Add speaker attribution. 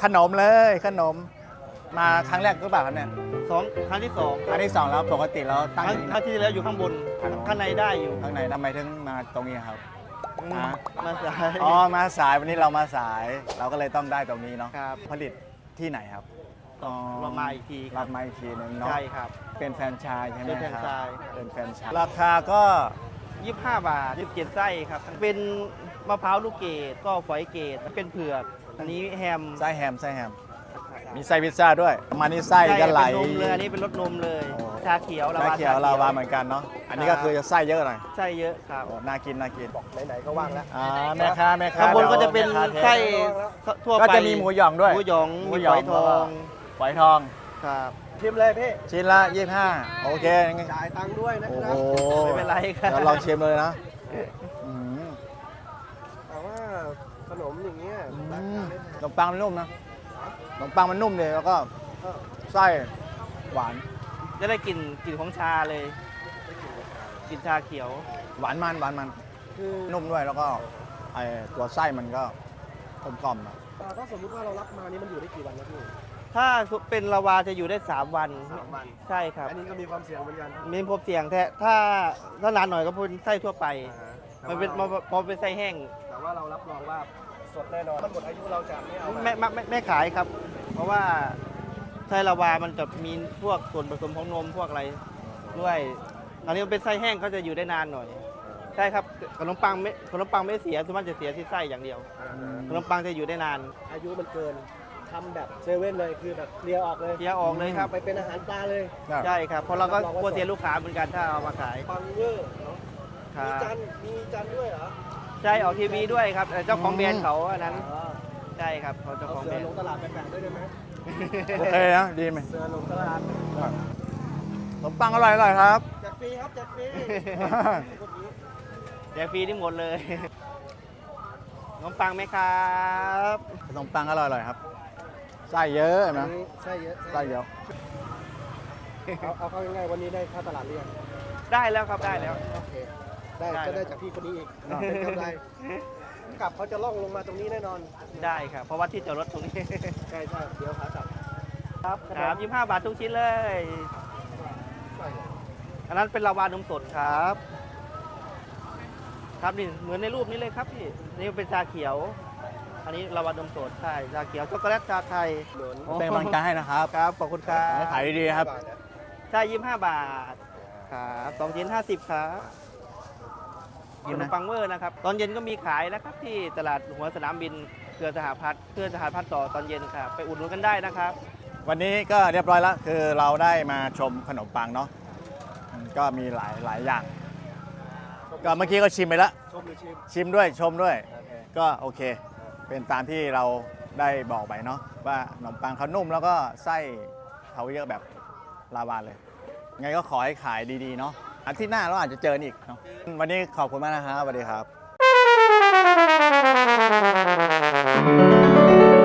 Speaker 1: ขนมเลยขนมมาครั้งแรกก็แบบเนี่ย
Speaker 2: ครั้งที่สอง
Speaker 1: ครั้งที่สองแล้วปกติเราตั้ง
Speaker 2: ครั้งที่แล้วอยู่ข้างบนข้างในได้อยู่
Speaker 1: ข้างในทำไมถึงมาตรงนี้ครับ
Speaker 2: มาสาย
Speaker 1: อ๋อมาสายวันนี้เรามาสาย เราก็เลยต้องได้ตรงนี้เนาะ
Speaker 2: ครับ
Speaker 1: ผลิตที่ไหนครับอ๋อ
Speaker 2: เรามาอีกทีค
Speaker 1: รั
Speaker 2: รั
Speaker 1: บบ มาอีกทีหนึงเนาะ
Speaker 2: ใช่ครับ
Speaker 1: เป็นแฟรนไชส์ใช่ไหม
Speaker 2: เป็นแฟรน
Speaker 1: ครับ
Speaker 2: ไชส์
Speaker 1: เป็นแฟรนไชส์ราคาก็
Speaker 2: 25 บาท17ไส้ครับเป็นมะพร้าวลูกเกดก็ฝอยเกดเป็นเผือกอันนี้แฮม
Speaker 1: ไส้แฮมไส้แฮมมีไส้พิซซ่าด้วยมานี่ไส้ก็ไหล
Speaker 2: เป็นนมเลยอันนี้เป็นรสนมเลย
Speaker 1: โอ้
Speaker 2: ชาเขียว
Speaker 1: ไส้เขียวลาวาเหมือนกันเนาะอันนี้ก็คือจะไส้เยอะหน่อย
Speaker 2: ไส้เยอะครับ
Speaker 1: โอ้น่ากินน่ากิน
Speaker 3: ไหนๆก็ว่างแล้ว
Speaker 1: แม่ค้าแม่ค้า
Speaker 2: ข้างบนก็จะเป็น
Speaker 1: แม่ค้าเท
Speaker 2: ไส้ทั่วไป
Speaker 1: ก็จะมีหมูหยองด้วย
Speaker 2: หมูหยอง
Speaker 1: หมู
Speaker 2: มี
Speaker 1: หย
Speaker 2: ฝ
Speaker 1: อง
Speaker 2: อยทอง
Speaker 1: ฝอยทอง
Speaker 2: ครับ
Speaker 3: ชิมเลยพี่
Speaker 1: ชิ้นละ 25โอเค
Speaker 3: จ่ายตังค์ด้วยนะ
Speaker 1: โอ้
Speaker 3: ค
Speaker 1: โห
Speaker 3: รับ
Speaker 2: ไม่เป็นไรครับ
Speaker 1: เดี๋ยวลองชิมเลยนะอืม
Speaker 3: แต่ว่าขนมอย่างเงี้ย
Speaker 1: อื
Speaker 3: ราคาม ไม่แพง
Speaker 1: ขนมปังมันนุ่มนะขนมปังมันนุ่มเลยแล้วก็
Speaker 3: เออ
Speaker 1: ไส้หวาน
Speaker 2: จะได้กลิ่นของชาเลยกลิ่นชาเขียว
Speaker 1: หวานมันหวานมัน
Speaker 3: คือ
Speaker 1: นุ่มด้วยแล้วก็ไอตัวไส้มันก็กลมๆอะ
Speaker 3: ถ้าสมมุติว่าเรารับมานี่มันอยู่ได้กี่วันนะพี่
Speaker 2: ถ้าเป็นลาวาจะอยู่ได้ 3 วัน
Speaker 3: 3 วัน
Speaker 2: ใช่ครับ
Speaker 3: อันนี้ก็มีความเสี่ยงเหมือนกัน
Speaker 2: มีพบเสียงแท้ถ้านานหน่อยก็เป็นไส้ทั่วไป
Speaker 3: แต่
Speaker 2: มันเป็น
Speaker 3: ว่า
Speaker 2: พอเป็นไส้แห้ง
Speaker 3: แต่ว่าเรารับรองว่าสดแน่นอนมันหมดอายุเราจะไม่เอา
Speaker 2: ไม่ขายครับ เพราะว่าไส้ลาวามันจะมีพวกส่วนผสมของนมพวกอะไรด้วยอันนี้มันเป็นไส้แห้งเขาจะอยู่ได้นานหน่อย ใช่ครับขนมปังไม่เสียส่วนมากจะเสียที่ไส้อย่างเดียวขนมปังจะอยู่ได้นาน
Speaker 3: อายุมันเกินทำแบบเซเว่นเลยคือแบบเคลียร์ออกเลย
Speaker 2: เสียออกเลยครับ
Speaker 3: ไปเป็นอาหารปลาเลย
Speaker 2: ใช่ครับเพราะเราก็กลัวเสียลูกค้าเหมือนกันถ้าเอามาขาย
Speaker 3: ปังเวอร์เนาะ
Speaker 2: ครั
Speaker 3: มี
Speaker 2: บ
Speaker 3: จันด้วยเหรอ
Speaker 2: ใช่ออกทีวีด้วยครับเจ้าของแบรนด์เขาอันนั้น
Speaker 3: อ๋อ
Speaker 2: ใช่ครับเขาเจ้า
Speaker 3: เอา
Speaker 2: ของ
Speaker 3: เสื
Speaker 2: แบร
Speaker 3: อน ล
Speaker 2: ด์
Speaker 3: งตลาดแปลกๆด้วยได้ไหม
Speaker 1: โอเคนะดีไหม
Speaker 3: เสือลงตลาด
Speaker 1: ขนมปังอร่อยครับ
Speaker 3: แจกฟรีครับแจกฟรี
Speaker 2: แจกฟรีที่หมดเลยขนมปังไหมครับ
Speaker 1: ขนมปังอร่อยครับไส้เยอะนะ
Speaker 3: ไส้เยอะ
Speaker 1: ไส้เยอะ
Speaker 3: เอาเข้าง่ายๆวันนี้ได้ค่าตลาดเรียง
Speaker 2: ได้แล้วครับได้แล้ว
Speaker 3: โอเคได้
Speaker 2: ได้
Speaker 3: ก็ได้จากพี่คนนี้อีกเป็นกำไรกลับเขาจะล่องลงมาตรงนี้แน่นอน
Speaker 2: ได้ครับเพราะว่าที่จอดรถตรงนี้
Speaker 3: ใช่เดี๋ยวขากลับ
Speaker 2: ครับ25 บาททุกชิ้นเลย อันนั้นเป็นลาวานมสดครับ ครับนี่เหมือนในรูปนี้เลยครับพี่นี่เป็นชาเขียว อันนี้ลาวานมสดใช่ชาเขียวช็อกโกแลตชาไทย
Speaker 1: เป็นกำลังใจให้นะครับ
Speaker 2: ครับขอบคุณครั
Speaker 1: ให้
Speaker 2: บ
Speaker 1: ขายดีๆครับ
Speaker 2: ใช่25 บาทครับ2ชิ้น50ครับขนมปังเวอร์นะครับ ตอนเย็นก็มีขายนะครับที่ตลาดหัวสนามบินเครือสหพัฒน์ต่อตอนเย็นครับไปอุดหนุนกันได้นะครับ
Speaker 1: วันนี้ก็เรียบร้อยแล้วคือเราได้มาชมขนมปังเนาะก็มีหลายอย่าง ก็เมื่อกี้ก็ชิมไปแล้ว
Speaker 3: ชมหรือชิม
Speaker 1: ชิมด้วยชมด้วย
Speaker 3: โอเค
Speaker 1: ก็โอเค เป็นตามที่เราได้บอกไปเนาะว่าขนมปังเขานุ่มแล้วก็ไส้เขาเยอะแบบลาวาเลย ไงก็ขอให้ขายดีๆเนาะอาทิตย์หน้าเราอาจจะเจออีกเนาะวันนี้ขอบคุณมากนะครับสวัสดีครับ